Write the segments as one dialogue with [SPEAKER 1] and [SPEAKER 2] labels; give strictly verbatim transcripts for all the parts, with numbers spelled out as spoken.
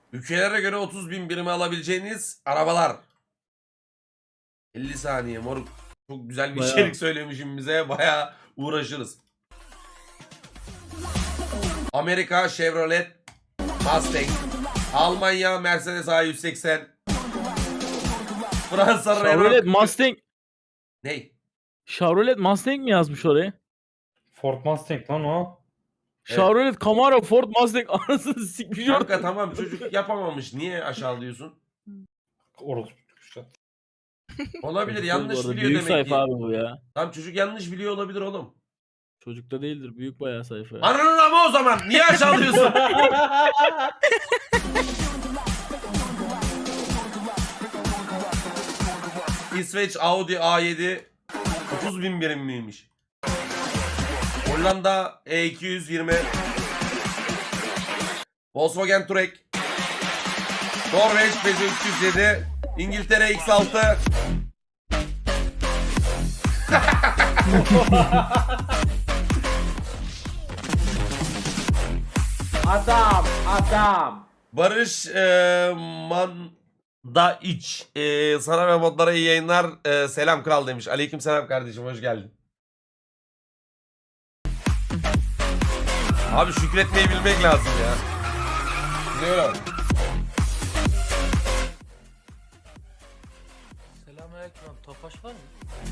[SPEAKER 1] Ülkelere göre otuz bin birime alabileceğiniz arabalar. elli saniye moruk. Çok güzel bir
[SPEAKER 2] Bayağı.
[SPEAKER 1] içerik söylemişim bize. Bayağı uğraşırız. Amerika Chevrolet Mustang. Almanya Mercedes A yüz seksen. Fransa
[SPEAKER 2] Chevrolet
[SPEAKER 1] Renault.
[SPEAKER 2] Mustang.
[SPEAKER 1] Ney?
[SPEAKER 2] Chevrolet Mustang mi yazmış oraya?
[SPEAKER 3] Ford Mustang lan o.
[SPEAKER 2] Chevrolet Camaro Ford Mustang anasını sikmiş
[SPEAKER 1] Kanka
[SPEAKER 2] orada.
[SPEAKER 1] tamam çocuk yapamamış. Niye aşağılıyorsun?
[SPEAKER 3] Orospu işte.
[SPEAKER 1] Olabilir,
[SPEAKER 2] Çocuk
[SPEAKER 1] yanlış
[SPEAKER 2] değil bu arada,
[SPEAKER 1] biliyor
[SPEAKER 2] büyük
[SPEAKER 1] demek
[SPEAKER 2] sayfa
[SPEAKER 1] ki.
[SPEAKER 2] abi bu ya.
[SPEAKER 1] Tamam çocuk yanlış biliyor olabilir oğlum.
[SPEAKER 2] Çocukta değildir, büyük bayağı sayfa ya.
[SPEAKER 1] Ananın ama o zaman. Niye aşağılıyorsun? İsveç Audi A yedi otuz bin birim miymiş? Hollanda E iki yüz yirmi. Volkswagen Touareg. Norveç Peugeot üç yüz yedi. İngiltere X altı.
[SPEAKER 4] Adam, adam.
[SPEAKER 1] Barış e, Manda iç. E, sana ve modlara iyi yayınlar. E, selam kral demiş. Aleyküm selam kardeşim, hoş geldin. Abi şükretmeyi bilmek lazım ya. Biliyorum.
[SPEAKER 5] Selamünaleyküm abi. Tofaş var mı?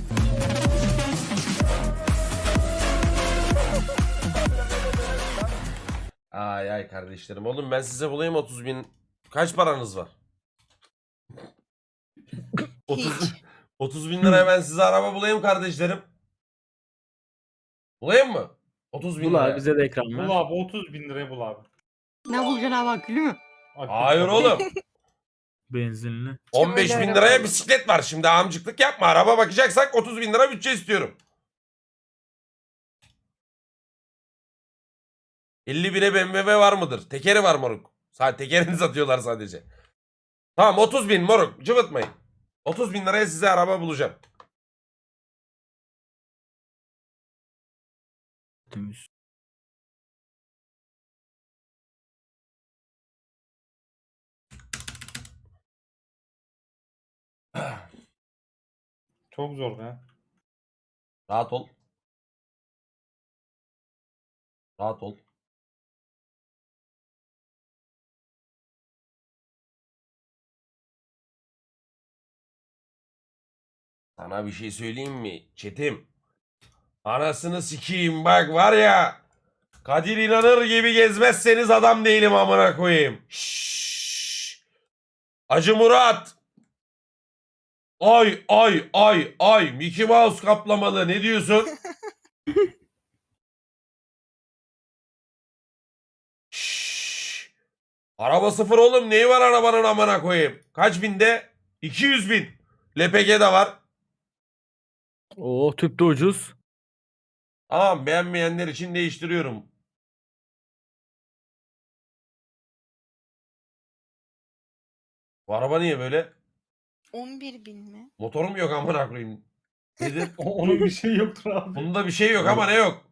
[SPEAKER 1] Ay ay kardeşlerim. Oğlum ben size bulayım otuz bin. Kaç paranız var? otuz, otuz bin liraya ben size araba bulayım kardeşlerim. Bulayım mı? otuz bin
[SPEAKER 2] Bul
[SPEAKER 1] liraya.
[SPEAKER 2] abi, bize de ekran
[SPEAKER 3] Bul
[SPEAKER 2] ver.
[SPEAKER 3] abi otuz bin liraya bul abi.
[SPEAKER 4] Ne bulacaksın abi akülü mü?
[SPEAKER 3] Akbil
[SPEAKER 1] Hayır
[SPEAKER 3] tabii.
[SPEAKER 1] oğlum.
[SPEAKER 2] Benzinli.
[SPEAKER 1] on beş bin liraya bisiklet var. Şimdi amcıklık yapma. Araba bakacaksak otuz bin lira bütçe istiyorum. elli bine B M W var mıdır? Tekeri var moruk. Sadece tekerini satıyorlar sadece. Tamam otuz bin moruk. Cıvıtmayın. otuz bin liraya size araba bulacağım.
[SPEAKER 2] Temiz.
[SPEAKER 3] Çok zor be.
[SPEAKER 1] Rahat ol. Rahat ol. Sana bir şey söyleyeyim mi Çetim? Anasını sikeyim bak var ya. Kadir inanır gibi gezmezseniz adam değilim amına koyayım. Şşş. Acı Murat. Ay ay ay ay. Mickey Mouse kaplamalı ne diyorsun? Şşş. Araba sıfır oğlum, neyi var arabanın amına koyayım? Kaç binde? iki yüz bin. L P G de var.
[SPEAKER 2] Oo, tüp de ucuz.
[SPEAKER 1] Tamam, beğenmeyenler için değiştiriyorum. Bu araba niye böyle?
[SPEAKER 6] on bir bin mi?
[SPEAKER 1] Motorum yok amına koyayım. Nedir?
[SPEAKER 3] O- Onun bir şey yoktur abi.
[SPEAKER 1] Bunda bir şey yok ama ne yok?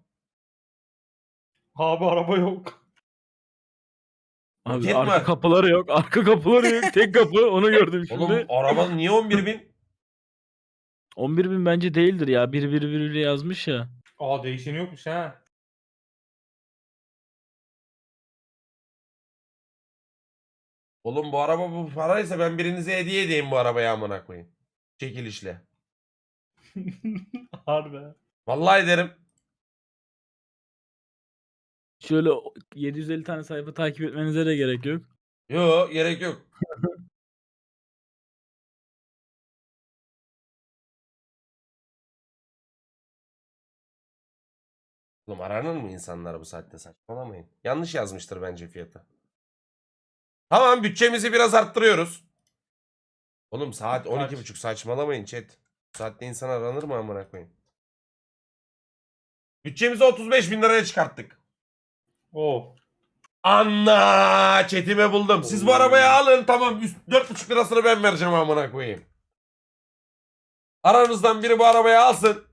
[SPEAKER 3] Abi araba yok.
[SPEAKER 2] Abi
[SPEAKER 1] Roket
[SPEAKER 2] arka
[SPEAKER 1] var.
[SPEAKER 2] kapıları yok. Arka kapıları yok. Tek kapı, onu gördüm şimdi.
[SPEAKER 1] Oğlum arabanın niye on bir bin?
[SPEAKER 2] on bir bin bence değildir ya. bir bir bir yazmış ya.
[SPEAKER 3] Aa değişeni yokmuş ha.
[SPEAKER 1] Oğlum bu araba bu paraysa ben birinize hediye edeyim bu arabayı amına koyayım. Çekilişle.
[SPEAKER 3] Harbi.
[SPEAKER 1] Vallahi ederim.
[SPEAKER 2] Şöyle yedi yüz elli tane sayfa takip etmenize de gerek yok.
[SPEAKER 1] Yo, gerek yok. Oğlum aranır mı insanlar bu saatte, saçmalamayın. Yanlış yazmıştır bence fiyatı. Tamam, bütçemizi biraz arttırıyoruz. Oğlum saat on iki buçuk, saçmalamayın chat. Bu saatte insan aranır mı amına koyayım? Bütçemizi otuz beş bin liraya çıkarttık.
[SPEAKER 3] Oh.
[SPEAKER 1] Anna chatime buldum. Siz bu arabayı alın, tamam, üst dört buçuk lirasını ben vereceğim amına koyayım. Aranızdan biri bu arabayı alsın.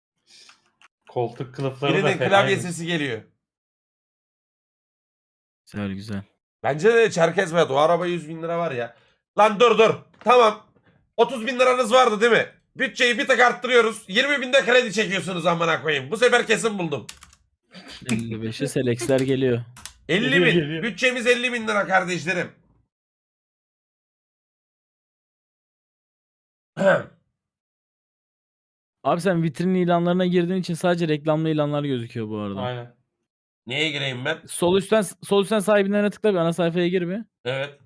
[SPEAKER 3] Koltuk kılıfları da
[SPEAKER 1] Birinin
[SPEAKER 3] fena.
[SPEAKER 1] klavye sesi geliyor.
[SPEAKER 2] Güzel güzel.
[SPEAKER 1] Bence de Çerkez Berat. O araba yüz bin lira var ya. Lan dur dur. Tamam. otuz bin liranız vardı değil mi? Bütçeyi bir tık arttırıyoruz. yirmi binde kredi çekiyorsunuz amına koyayım. Bu sefer kesin buldum.
[SPEAKER 2] elli beşe Selex'ler geliyor.
[SPEAKER 1] elli
[SPEAKER 3] Geliyor,
[SPEAKER 1] bin.
[SPEAKER 3] geliyor.
[SPEAKER 1] Bütçemiz elli bin lira kardeşlerim.
[SPEAKER 2] Abi sen vitrin ilanlarına girdiğin için sadece reklamlı ilanlar gözüküyor bu arada.
[SPEAKER 3] Aynen.
[SPEAKER 1] Neye gireyim ben?
[SPEAKER 2] Sol üstten sol üstten sahibinden tıkla bir ana sayfaya gir bir.
[SPEAKER 1] Evet.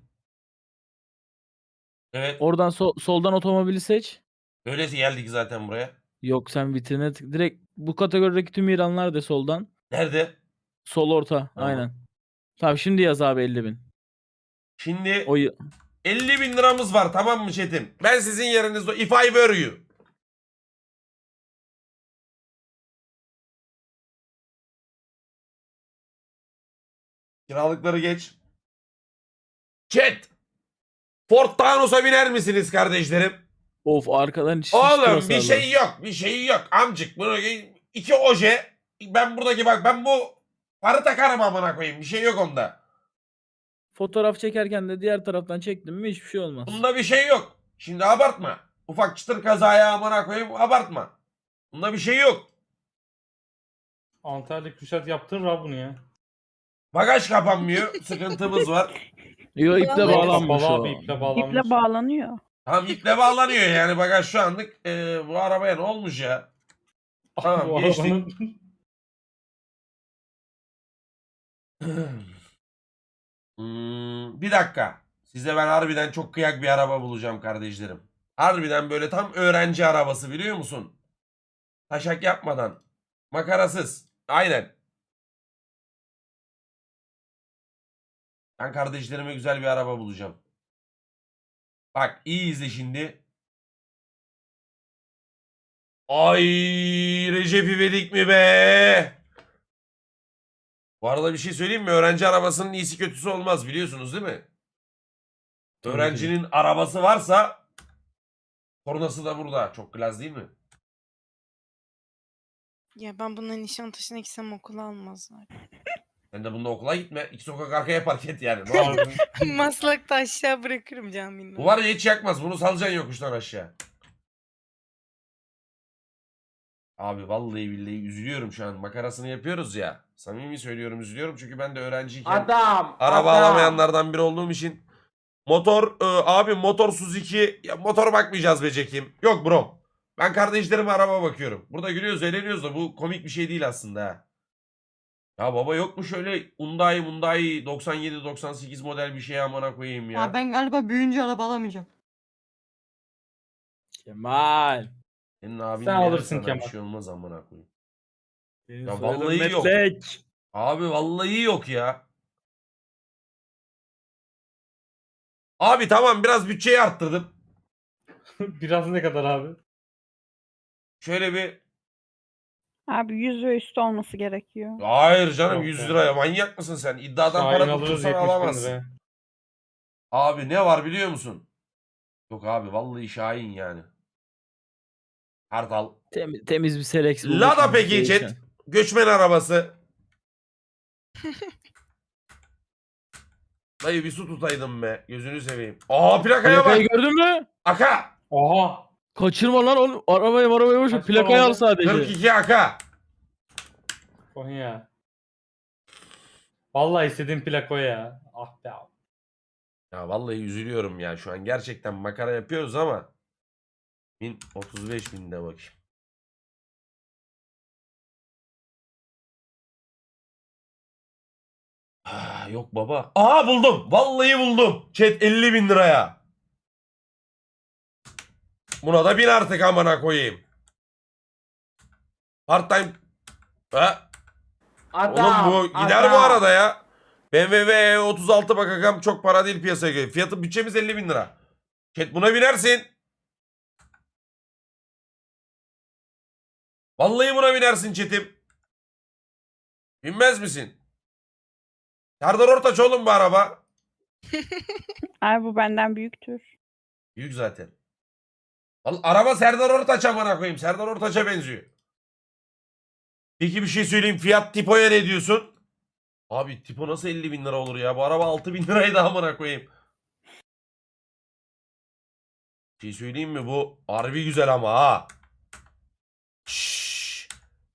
[SPEAKER 1] Evet.
[SPEAKER 2] Oradan so- soldan otomobili seç.
[SPEAKER 1] Öylesi geldik zaten buraya.
[SPEAKER 2] Yok sen vitrine tık. Direkt bu kategorideki tüm ilanlar de soldan.
[SPEAKER 1] Nerede?
[SPEAKER 2] Sol orta.
[SPEAKER 1] Tamam.
[SPEAKER 2] Aynen. Tamam şimdi yaz abi elli bin.
[SPEAKER 1] Şimdi
[SPEAKER 2] O y-
[SPEAKER 1] elli bin liramız var, tamam mı Çetin? Ben sizin yerinizde if I were you. Kiralıkları geç. Chat. Ford Taunus'a biner misiniz kardeşlerim?
[SPEAKER 2] of arkadan şiş
[SPEAKER 1] Oğlum
[SPEAKER 2] kırası
[SPEAKER 1] bir
[SPEAKER 2] aldı.
[SPEAKER 1] şey yok. Bir şey yok. Amcık bunu iki oje. Ben buradaki bak ben bu farı takarım amına koyayım. Bir şey yok onda.
[SPEAKER 2] Fotoğraf çekerken de diğer taraftan çektim mi hiçbir şey olmaz.
[SPEAKER 1] Bunda bir şey yok. Şimdi abartma. Ufak çıtır kazaya amına koyayım abartma. Bunda bir şey yok.
[SPEAKER 3] Antalya Kürşat yaptırır abi bunu ya.
[SPEAKER 1] Bagaj kapanmıyor. Sıkıntımız var.
[SPEAKER 2] Yo iple
[SPEAKER 6] Vallahi
[SPEAKER 2] bağlanmış
[SPEAKER 3] Kapalı
[SPEAKER 2] o.
[SPEAKER 3] abi, iple bağlanmış.
[SPEAKER 7] İple bağlanıyor.
[SPEAKER 1] Tamam iple bağlanıyor yani bagaj şu anlık. Ee, bu arabaya ne olmuş ya? Tamam,
[SPEAKER 3] Bu
[SPEAKER 1] geçtik.
[SPEAKER 3] arabanın-
[SPEAKER 1] Hmm, bir dakika. Size ben harbiden çok kıyak bir araba bulacağım kardeşlerim. Harbiden böyle tam öğrenci arabası biliyor musun? Taşak yapmadan. Makarasız. Aynen. Ben kardeşlerime güzel bir araba bulacağım. Bak iyi izle şimdi. Ay Recep İvedik mi be? Bu arada bir şey söyleyeyim mi? Öğrenci arabasının iyisi kötüsü olmaz biliyorsunuz değil mi?
[SPEAKER 2] Tabii
[SPEAKER 1] Öğrencinin arabası varsa kornası da burada. Çok klas değil mi?
[SPEAKER 6] Ya ben bunların Nişantaşı'na gitsem okula almazlar.
[SPEAKER 1] Sen de bunda okula gitme. İki sokak arkaya park et yani. Ne olur.
[SPEAKER 6] Maslak'ta aşağı bırakırım caminin.
[SPEAKER 1] Bu var ya hiç yakmaz. Bunu salacaksın yokuştan aşağı. Abi vallahi billahi üzülüyorum şu an. Makarasını yapıyoruz ya. Samimi söylüyorum üzülüyorum. Çünkü ben de öğrenciyken
[SPEAKER 4] Adam.
[SPEAKER 1] araba
[SPEAKER 4] adam.
[SPEAKER 1] alamayanlardan biri olduğum için. Motor e, abi motor Suzuki. Ya motor bakmayacağız be Cekim. Yok bro. Ben kardeşlerime araba bakıyorum. Burada gülüyoruz eğleniyoruz da bu komik bir şey değil aslında ha. Ya baba yok mu şöyle Hyundai Hyundai doksan yedi doksan sekiz model bir şey amına koyayım ya.
[SPEAKER 4] Ya ben galiba büyüyünce araba alamayacağım.
[SPEAKER 2] Kemal.
[SPEAKER 1] Senin abin
[SPEAKER 3] Sen
[SPEAKER 1] verir
[SPEAKER 3] alırsın
[SPEAKER 1] sana,
[SPEAKER 3] Kemal.
[SPEAKER 1] bir şey olmaz amına koyayım.
[SPEAKER 2] Senin
[SPEAKER 1] Ya
[SPEAKER 2] soyadın
[SPEAKER 1] vallahi yok.
[SPEAKER 2] Metlek.
[SPEAKER 1] Abi vallahi yok ya. Abi tamam biraz bütçeyi arttırdım.
[SPEAKER 3] Biraz ne kadar abi?
[SPEAKER 1] Şöyle bir
[SPEAKER 7] Abi yüz ve üstü olması gerekiyor.
[SPEAKER 1] hayır canım
[SPEAKER 3] Yok
[SPEAKER 1] yüz
[SPEAKER 3] ya.
[SPEAKER 1] liraya manyak mısın sen? İddiadan
[SPEAKER 3] Şahin
[SPEAKER 1] para
[SPEAKER 3] alırız
[SPEAKER 1] tuttursan
[SPEAKER 3] yetmiş bin
[SPEAKER 1] alamazsın.
[SPEAKER 3] liraya.
[SPEAKER 1] Abi ne var biliyor musun? Yok abi vallahi Şahin yani. Kartal.
[SPEAKER 2] Temiz, temiz bir Selex bulduk
[SPEAKER 1] Lada
[SPEAKER 2] şimdi,
[SPEAKER 1] peki
[SPEAKER 2] değişen.
[SPEAKER 1] chat. Göçmen arabası. Dayı bir su tutaydım be. Gözünü seveyim. Aa plakaya bak.
[SPEAKER 2] Plakayı gördün mü?
[SPEAKER 1] Aka.
[SPEAKER 3] Oha!
[SPEAKER 2] Kaçırma lan onu. Arabayı arabayı boş ver.
[SPEAKER 3] Kaç
[SPEAKER 2] Plakayı
[SPEAKER 3] para
[SPEAKER 2] al
[SPEAKER 3] oldu?
[SPEAKER 2] sadece.
[SPEAKER 1] kırk iki aka.
[SPEAKER 3] Konya. Vallahi istediğim plako ya. Ah be abi.
[SPEAKER 1] Ya vallahi üzülüyorum ya. Şu an gerçekten makara yapıyoruz ama. bin otuz beş binde bakayım. Ah, yok baba. Aa buldum. Vallahi buldum. Chat elli bin liraya. Buna da bin artık amına koyayım. Part time. Ha?
[SPEAKER 4] Adam.
[SPEAKER 1] Oğlum bu gider
[SPEAKER 4] adam.
[SPEAKER 1] bu arada ya. B M W E otuz altı bakacağım çok para değil piyasaya göre. Fiyatı bütçemiz elli bin lira. Chat buna binersin. Vallahi buna binersin chatim. Binmez misin? Serdar Ortaç oğlum bu araba.
[SPEAKER 7] Abi bu benden büyüktür.
[SPEAKER 1] Büyük zaten. Vallahi araba Serdar Ortaç amına koyayım. Serdar Ortaç'a benziyor. Peki bir şey söyleyeyim. Fiyat Tipo'ya ne diyorsun? Abi tipo nasıl elli bin lira olur ya? Bu araba altı bin liraydı amına koyayım. Bir şey söyleyeyim mi? Bu harbi güzel ama ha. Şşş.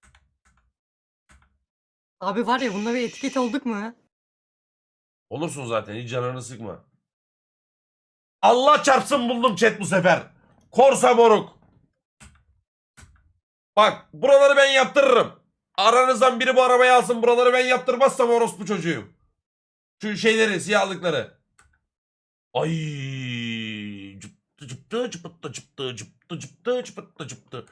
[SPEAKER 4] Abi var ya bunda bir etiket olduk mu?
[SPEAKER 1] Olursun zaten, hiç canını sıkma. Allah çarpsın buldum chat bu sefer. Korsa moruk. Bak buraları ben yaptırırım. Aranızdan biri bu arabayı alsın, buraları ben yaptırmazsam orospu çocuğuyum. Şu şeyleri, siyahlıkları. Ay cıptı cıptı cıptı cıptı cıptı cıptı cıptı cıptı.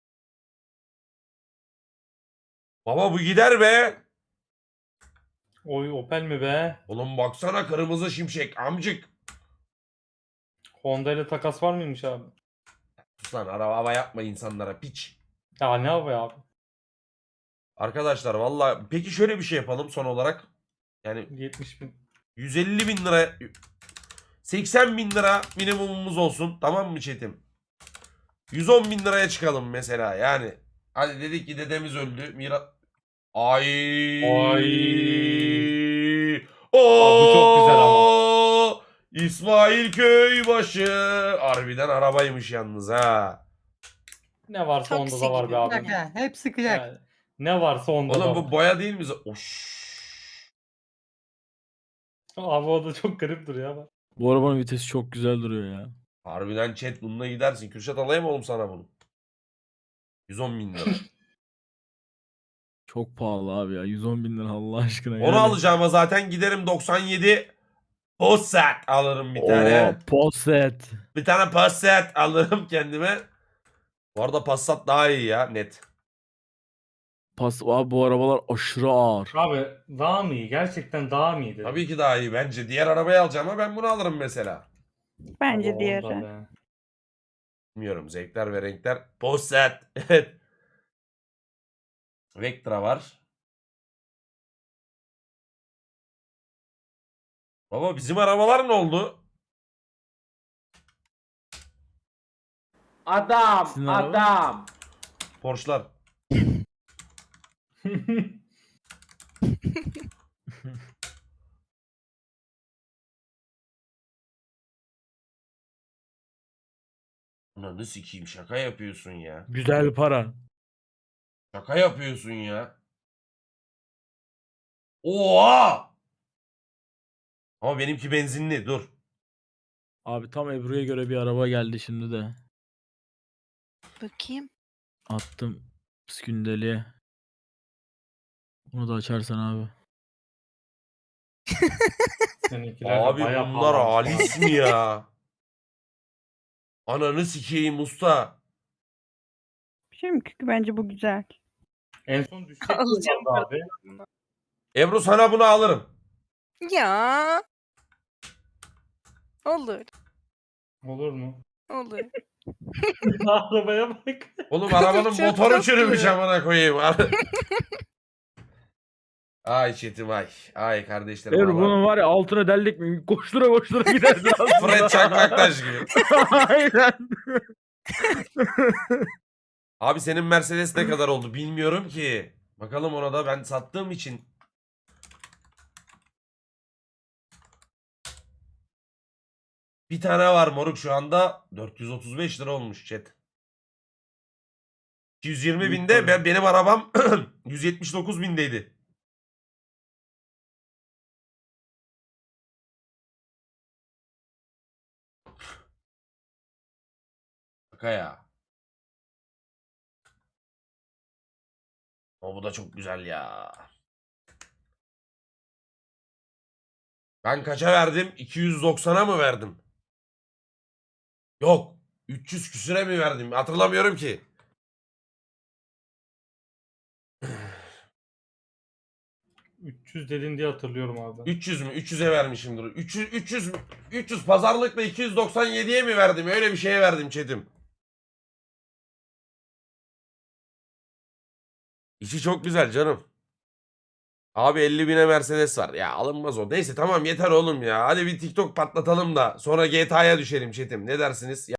[SPEAKER 1] Baba bu gider be.
[SPEAKER 3] Oy Opel mi be?
[SPEAKER 1] Oğlum baksana, kırmızı şimşek amcık.
[SPEAKER 3] Honda ile takas var mıymış abi?
[SPEAKER 1] Sus lan, araba hava yapma insanlara piç.
[SPEAKER 3] Ya ne yapıyor abi?
[SPEAKER 1] Arkadaşlar valla peki şöyle bir şey yapalım son olarak. Yani
[SPEAKER 3] yetmiş bin.
[SPEAKER 1] yüz elli bin lira, seksen bin lira minimumumuz olsun, tamam mı chat'im? yüz on bin liraya çıkalım mesela yani. Hadi dedik ki dedemiz öldü. Mira... Ay.
[SPEAKER 3] Ay.
[SPEAKER 1] Oo.
[SPEAKER 3] bu çok güzel ama.
[SPEAKER 1] İsmail Köybaşı. Harbiden arabaymış yalnız ha.
[SPEAKER 3] Ne varsa onda
[SPEAKER 6] Taksi
[SPEAKER 3] da var
[SPEAKER 6] gibi.
[SPEAKER 3] be abi.
[SPEAKER 4] Kıyak ha. Hepsi kıyak.
[SPEAKER 3] Yani, ne varsa onda da
[SPEAKER 1] Oğlum
[SPEAKER 3] var.
[SPEAKER 1] bu boya değil mi? Oş.
[SPEAKER 3] Abi o da çok garip duruyor ama.
[SPEAKER 2] Bu arabanın vitesi çok güzel duruyor ya.
[SPEAKER 1] Harbiden chat bununla gidersin. Kürşat alayım oğlum sana bunu. yüz on bin lira.
[SPEAKER 2] Çok pahalı abi ya. yüz on bin lira Allah aşkına.
[SPEAKER 1] Onu
[SPEAKER 2] yani.
[SPEAKER 1] alacağıma zaten giderim doksan yedi Passat alırım bir tane.
[SPEAKER 2] Oo, Posset.
[SPEAKER 1] Bir tane Passat alırım kendime. Bu arada Passat daha iyi ya, net.
[SPEAKER 2] Pas abi bu arabalar aşırı ağır.
[SPEAKER 3] Abi daha mı iyi? Gerçekten daha mı iyi dedim.
[SPEAKER 1] Tabii ki daha iyi bence. Diğer arabayı alacağıma ben bunu alırım mesela.
[SPEAKER 7] Bence
[SPEAKER 3] Ama
[SPEAKER 7] diğeri.
[SPEAKER 3] onda be.
[SPEAKER 1] Bilmiyorum, zevkler ve renkler. Passat. Evet. Vectra var. Baba bizim arabalar ne oldu?
[SPEAKER 4] Adam,
[SPEAKER 2] Sizin araba?
[SPEAKER 4] adam.
[SPEAKER 1] Porsche'lar. Ananı sikeyim, şaka yapıyorsun ya.
[SPEAKER 2] Güzel para.
[SPEAKER 1] Şaka yapıyorsun ya. Oha! Ama benimki benzinli, dur.
[SPEAKER 2] Abi tam Ebru'ya göre bir araba geldi şimdi de.
[SPEAKER 6] Bakayım.
[SPEAKER 2] Attım skündeliğe. Onu da açarsan abi.
[SPEAKER 3] Seninkiler de
[SPEAKER 1] Abi
[SPEAKER 3] bayağı
[SPEAKER 1] bunlar
[SPEAKER 3] pahalanmış.
[SPEAKER 1] halis mi ya? Ananı sikeyim usta.
[SPEAKER 7] Bir şey mi? Çünkü bence bu güzel.
[SPEAKER 3] En son düşecek
[SPEAKER 6] Alacağım
[SPEAKER 3] mi abi?
[SPEAKER 1] Ebru sana bunu alırım.
[SPEAKER 6] Ya. Olur.
[SPEAKER 3] Olur mu?
[SPEAKER 6] Olur.
[SPEAKER 3] Arabaya bak.
[SPEAKER 1] Oğlum arabanın
[SPEAKER 6] Çok
[SPEAKER 1] motoru
[SPEAKER 6] tatlı.
[SPEAKER 1] çürümüş amına koyayım. Ay çetim ay. Ay kardeşlerim.
[SPEAKER 2] Ebru
[SPEAKER 1] Allah-
[SPEAKER 2] bunun var ya altına deldik mi koştura koştura gidersin aslında.
[SPEAKER 1] Fred Çakmaktaş gibi.
[SPEAKER 2] Aynen.
[SPEAKER 1] Abi senin Mercedes ne kadar oldu bilmiyorum ki. Bakalım ona da, ben sattığım için. Bir tane var moruk şu anda. dört yüz otuz beş lira olmuş chat. iki yüz yirmi binde, ben, benim arabam yüz yetmiş dokuz bindeydi. Şaka ya. O bu da çok güzel ya. Ben kaça verdim? iki yüz doksana mı verdim? Yok. üç yüz küsüre mi verdim? Hatırlamıyorum ki.
[SPEAKER 3] üç yüz dedin diye hatırlıyorum abi.
[SPEAKER 1] üç yüz mü? üç yüze vermişimdir. üç yüz, üç yüz, üç yüz pazarlıkla iki yüz doksan yediye mi verdim? Öyle bir şeye verdim Çetim. İçi çok güzel canım. Abi elli bine Mercedes var. Ya alınmaz o. Neyse tamam yeter oğlum ya. Hadi bir TikTok patlatalım da sonra G T A'ya düşelim Çetim. Ne dersiniz?